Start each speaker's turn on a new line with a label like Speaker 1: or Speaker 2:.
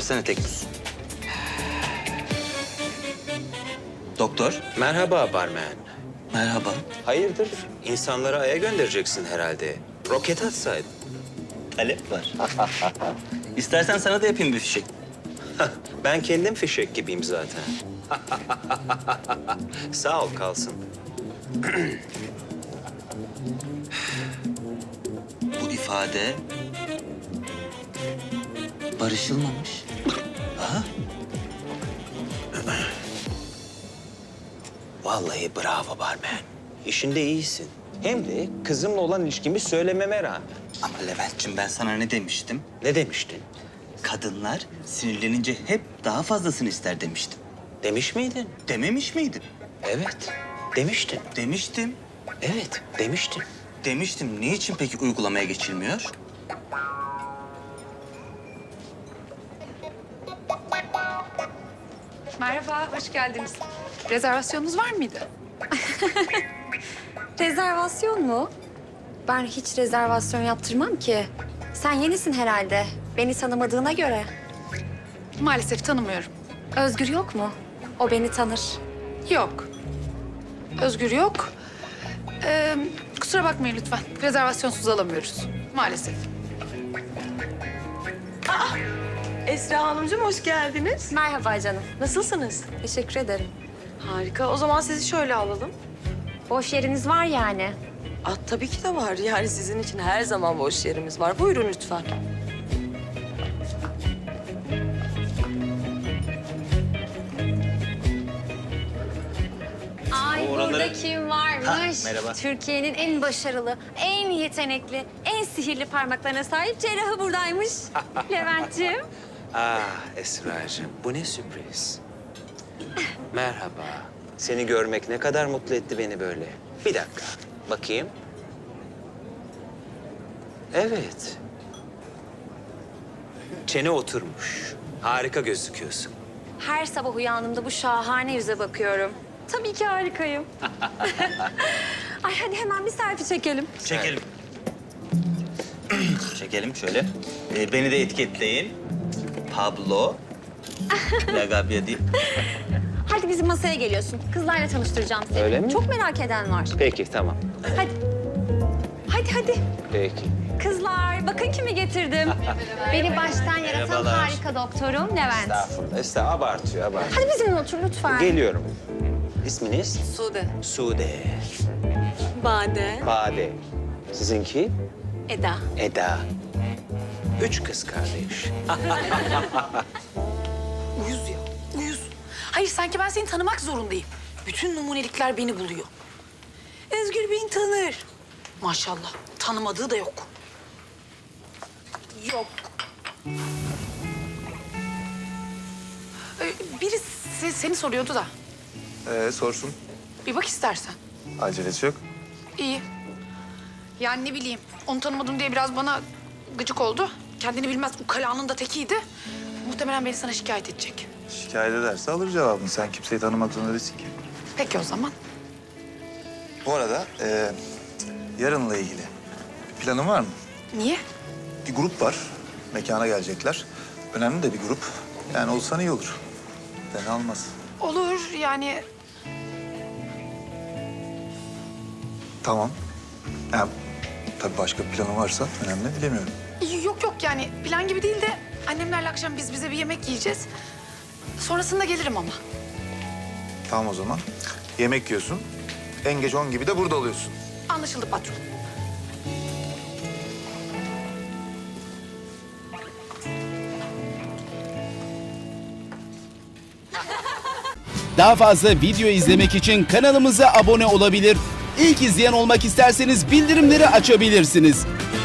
Speaker 1: Versene tekbüs. Doktor.
Speaker 2: Merhaba barmen.
Speaker 1: Merhaba.
Speaker 2: Hayırdır? İnsanları Ay'a göndereceksin herhalde. Roket atsaydın.
Speaker 1: Talep var. İstersen sana da yapayım bir fişek.
Speaker 2: Ben kendim fişek gibiyim zaten. Sağ ol kalsın.
Speaker 1: Bu ifade barışılmamış.
Speaker 2: Vallahi bravo barmen. İşinde iyisin. Hem de kızımla olan ilişkimi söylememe rağmen.
Speaker 1: Ama Levent'ciğim ben sana ne demiştim?
Speaker 2: Ne demiştin?
Speaker 1: Kadınlar sinirlenince hep daha fazlasını ister demiştim.
Speaker 2: Demiş miydin?
Speaker 1: Dememiş miydim?
Speaker 2: Evet. Demiştin.
Speaker 1: Demiştim.
Speaker 2: Evet, demiştin.
Speaker 1: Demiştim. Niçin peki uygulamaya geçilmiyor?
Speaker 3: Merhaba, hoş geldiniz. Rezervasyonunuz var mıydı?
Speaker 4: Rezervasyon mu? Ben hiç rezervasyon yaptırmam ki. Sen yenisin herhalde. Beni tanımadığına göre.
Speaker 3: Maalesef tanımıyorum.
Speaker 4: Özgür yok mu? O beni tanır.
Speaker 3: Yok. Özgür yok. Kusura bakmayın lütfen. Rezervasyonsuz alamıyoruz. Maalesef.
Speaker 5: Esra Hanımcığım hoş geldiniz.
Speaker 4: Merhaba canım.
Speaker 5: Nasılsınız?
Speaker 4: Teşekkür ederim.
Speaker 5: Harika. O zaman sizi şöyle alalım.
Speaker 4: Boş yeriniz var yani.
Speaker 5: Tabii ki de var. Yani sizin için her zaman boş yerimiz var. Buyurun lütfen.
Speaker 4: Ay burada kim varmış?
Speaker 1: Ha, merhaba.
Speaker 4: Türkiye'nin en başarılı, en yetenekli, en sihirli parmaklarına sahip cerrahı buradaymış. Levent'ciğim.
Speaker 2: Esra'cığım bu ne sürpriz. Merhaba. Seni görmek ne kadar mutlu etti beni böyle. Bir dakika, bakayım. Evet. Çene oturmuş. Harika gözüküyorsun.
Speaker 4: Her sabah uyandığımda bu şahane yüze bakıyorum. Tabii ki harikayım. Ay hadi hemen bir selfie çekelim.
Speaker 1: Çekelim. Çekelim şöyle. Beni de etiketleyin. Pablo. Lagabia değil.
Speaker 4: Hadi bizim masaya geliyorsun. Kızlarla tanıştıracağım seni.
Speaker 2: Öyle mi?
Speaker 4: Çok merak eden var.
Speaker 2: Peki, tamam.
Speaker 4: Hadi. Hadi.
Speaker 2: Peki.
Speaker 4: Kızlar bakın kimi getirdim. Beni baştan yaratan
Speaker 1: Merhabalar.
Speaker 4: harika doktorum Levent.
Speaker 2: Estağfurullah, abartıyor.
Speaker 4: Hadi bizimle otur lütfen.
Speaker 2: Geliyorum. İsminiz?
Speaker 5: Sude.
Speaker 2: Sude.
Speaker 5: Bade.
Speaker 2: Bade. Sizinki?
Speaker 4: Eda.
Speaker 2: Eda. 3 kız kardeş.
Speaker 3: Uyuz ya, uyuz. Hayır, sanki ben seni tanımak zorundayım. Bütün numunelikler beni buluyor. Özgür beni tanır. Maşallah, tanımadığı da yok. Yok. Biri seni soruyordu da.
Speaker 6: Sorsun.
Speaker 3: Bir bak istersen.
Speaker 6: Acelesi yok.
Speaker 3: İyi. Yani ne bileyim, onu tanımadım diye biraz bana gıcık oldu. Kendini bilmez ukalanın da tekiydi. Muhtemelen beni sana şikayet edecek.
Speaker 6: Şikayet ederse alır cevabını. Sen kimseyi tanımak zorunda değilsin ki.
Speaker 3: Peki o zaman.
Speaker 6: Bu arada yarınla ilgili bir planın var mı?
Speaker 3: Niye?
Speaker 6: Bir grup var. Mekana gelecekler. Önemli de bir grup. Yani olsan iyi olur. Fena olmaz.
Speaker 3: Olur yani.
Speaker 6: Tamam. Yani, tabii başka bir planın varsa önemli bilemiyorum.
Speaker 3: Yok yani plan gibi değil de annemlerle akşam biz bize bir yemek yiyeceğiz. Sonrasında gelirim ama.
Speaker 6: Tamam o zaman. Yemek yiyorsun. En geç 10 gibi de burada oluyorsun.
Speaker 3: Anlaşıldı patron.
Speaker 7: Daha fazla video izlemek için kanalımıza abone olabilir. İlk izleyen olmak isterseniz bildirimleri açabilirsiniz.